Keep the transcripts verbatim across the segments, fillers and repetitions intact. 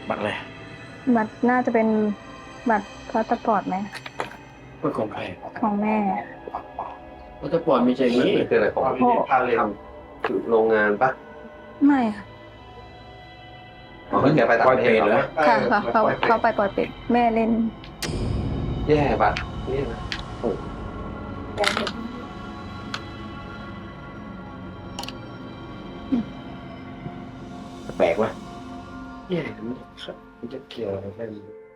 บัตรอะไรบัตรน่าจะเป็นบัตรพาสปอร์ตไหมเป็นของใครของแม่พาสปอร์ตมีใจอย่างนี้คืออะไรของพี่ทำคือโรงงานปะไม่ค่ะอ๋อแกไปต่างประเทศเหรอค่ะค่ะเขาเขาไปปล่อยเป็ดแม่เล่นแย่บัตรนี่นะแปลกวะแย่มันจะเกี่ยวอะไรกัน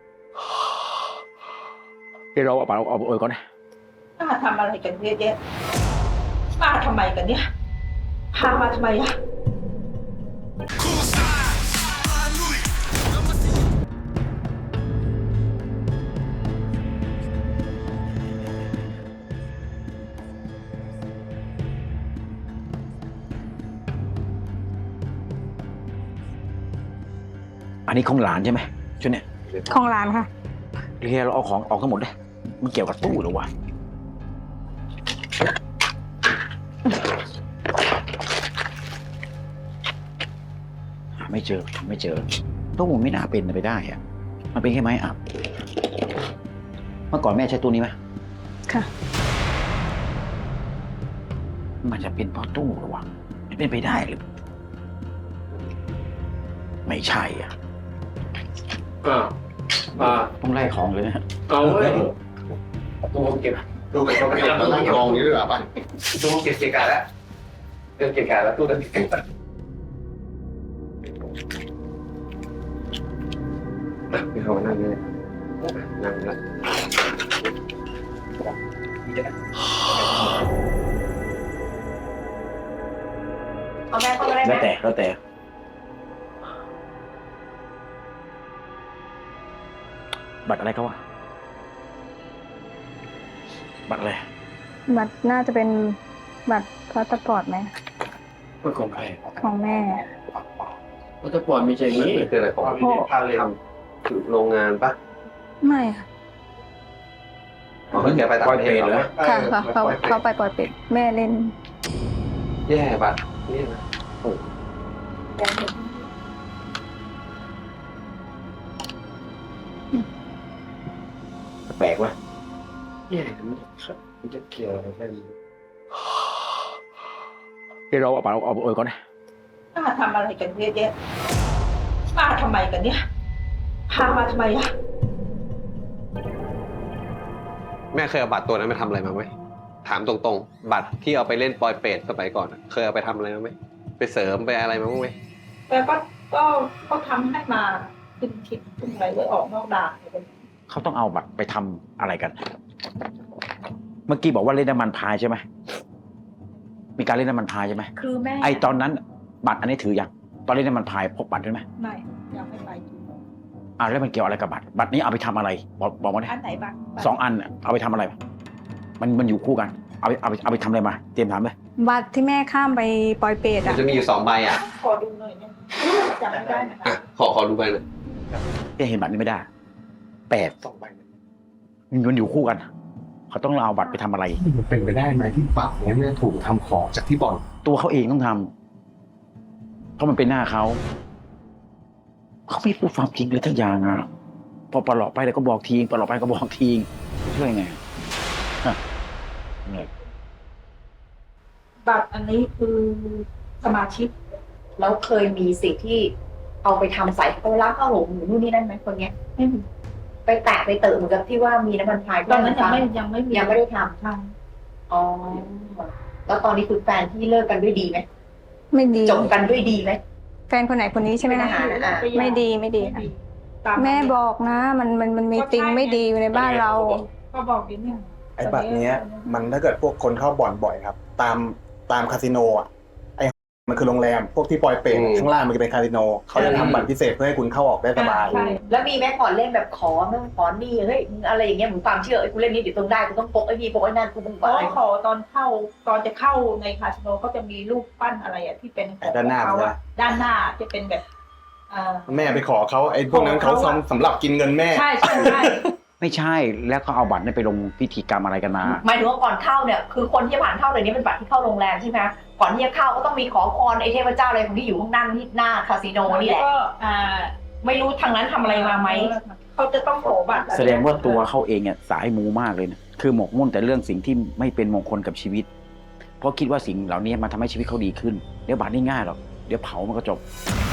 เดี๋ยวเราเอาบัตรเอาโอยก่อนนะป้าทำอะไรกันเยอะแยะป้าทำไมกันเนี่ยพามาทำไมอะอันนี้ของหลานใช่ไหมชุดเนี้ยของร้านค่ะเรียเราเอาของออกทั้งหมดเลยมันเกี่ยวกับตู้หรือวะไม่เจอไม่เจอตู้ไม่น่าเป็นไปได้อะมันเป็นแค่ไม้อับเมื่อก่อนแม่ใช้ตู้นี้ไหมค่ะมันจะเป็นเพราะตู้หรือวะไม่เป็นไปได้หรือไม่ใช่อ่ะอ่าอ่าต้องไล่ของเลยนะเอาเว้ยตู้เก็บตู้เก็บตู้เก็บตู้เก็บกองนี้ด้วยหรอป่ะตู้เก็บเก็บกันแล้วเก็บเก็บกันแล้วตู้นั้นเก็บกันพี่เขานั่งนี่นั่งแล้วเอาแม่เข้ามาได้ไหมแล้วแต่แล้วแต่บัตรอะไรเขาวะบัตรอะไรบัตรน่าจะเป็นบัตรพาสปอร์ตไหมเป็นของใครของแม่พาสปอร์ตมีใจอย่างนี้คืออะไรของพี่ทำคือโรงงานปะไม่ค่ะอ๋อแกไปต่างประเทศเหรอค่ะค่ะเขาเขาไปปล่อยเป็ดแม่เล่นแย่บัตรนี่นะแปลกวะแย่มันจะเกี่ยวอะไรกันเดี๋ยวเราเอาบัตรเอาโอยก่อนนะป้าทำอะไรกันเยอะแยะป้าทำไมกันเนี่ยพามาทำไมอะแม่เคยเอาบัตรตัวนั้นไปทำอะไรมาไหมถามตรงๆบัตรที่เอาไปเล่นปอยเปรตสมัยก่อนเคยเอาไปทำอะไรมาไหมไปเสริมไปอะไรมาบ้างไหมแต่ก็ก็ก็ทำให้มาขึ้นคิดขึ้นอะไรไว้ออกนอกด่านเขาต้องเอาบัตรไปทำอะไรกัน เมื่อกี้บอกว่าเล่นน้ำมันพายใช่ไหมมีการเล่นน้ำมันพายใช่ไหมคือแม่ไอตอนนั้นบัตรอันนี้ถือยังตอนเล่นน้ำมันพายพกบัตรใช่ไหมไม่ยังไม่ไปอ่าแล้วมันเกี่ยวอะไรกับบัตรบัตรนี้เอาไปทำอะไรบอกบอกมาดิอันไหนบัตรสองอันเอาไปทำอะไรมันมันอยู่คู่กันเอาไปเอาไปเอาไปทำอะไรมาเตรียมถามเลยบัตรที่แม่ข้ามไปปล่อยเป็ดอ่ะจะมีอยู่สองใบอ่ะขอดูหน่อยเนี่ยจำไม่ได้นะขอขอดูใบหน่อยจะเห็นบัตรนี้ไม่ได้แปดสองใบมันอยู่คู่กันเขาต้องเอาบัตรไปทำอะไรมันเป็นไปได้ไหมที่บัตรนี้เนี่ยถูกทำของจากที่บ่อนตัวเขาเองต้องทำเพราะมันเป็นหน้าเขาเขาไม่พูดความจริงเลยทั้งอย่างอ่ะพอปลอบไปแล้วก็บอกทีปลอบไปก็บอกทีช่วยไงบัตรอันนี้คือสมาชิกแล้วเคยมีสิ่งที่เอาไปทำใส่เอาล้างข้าวหลงหรือนู่นนี่นั่นไหมคนเนี้ยไม่มีไปแตะไปเติมเหมือนกับที่ว่ามีน้ำมันพายตอนนั้นยังไม่ยังไม่มียังไม่ได้ทำใช่อ๋อแล้วตอนนี้คือแฟนที่เลิกกันด้วยดีไหมไม่ดีจบกันด้วยดีไหมแฟนคนไหนคนนี้ใช่ไหมคะไม่ดีไม่ดีแม่บอกนะมันมันมันมีติงไม่ดีอยู่ในบ้านเราก็บอกดิเนี่ยไอ้บัตรเนี้ยมันถ้าเกิดพวกคนเข้าบ่อนบ่อยครับตามตามคาสิโนอ่ะไอ้มันคือโรงแรมพวกที่ปล่อยเป็ดข้างล่างมันจะเป็นคาสิโนเขาจะทำบัตรพิเศษเพื่อให้คุณเข้าออกได้สบายแล้วมีแม่ก่อนเล่นแบบขอเมื่อขอนี่เฮ้ยอะไรอย่างเงี้ยเหมือนความเชื่อไอ้กูเล่นนี้เดี๋ยวต้องได้กูต้องปกไอ้นี่ปกไอ้นั่นกูต้องอะไรขอตอนเข้าตอนจะเข้าในคาสิโนเขาจะมีรูปปั้นอะไรอ่ะที่เป็นด้านหน้าเขาด้านหน้าจะเป็นแบบแม่ไปขอเขาไอ้พวกนั้นเขาสำหรับกินเงินแม่ใช่ใช่ใช่ไม่ใช่แล้วเขาเอาบัตรนี่ไปลงพิธีกรรมอะไรกันมาหมายถึงว่าก่อนเข้าเนี่ยคือคนที่ผ่านเข้าเลยนี้เป็นบัตรที่เข้าโรงแรมใช่ไหมก่อนที่จะเข้าก็ต้องมีขอพรไอ้เทพเจ้าอะไรของที่อยู่ข้างหน้าที่หน้าคาสิโนนี่แหละก็ไม่รู้ทางนั้นทำอะไรมาไหมเขาจะต้องขอบัตรแสดงว่าตัวเขาเองเนี่ยสายมูมากเลยนะคือหมกมุ่นแต่เรื่องสิ่งที่ไม่เป็นมงคลกับชีวิต เพราะคิดว่าสิ่งเหล่านี้มันทำให้ชีวิตเขาดีขึ้นเดี๋ยวบาทนี่ง่ายหรอกเดี๋ยวเผามันก็จบเ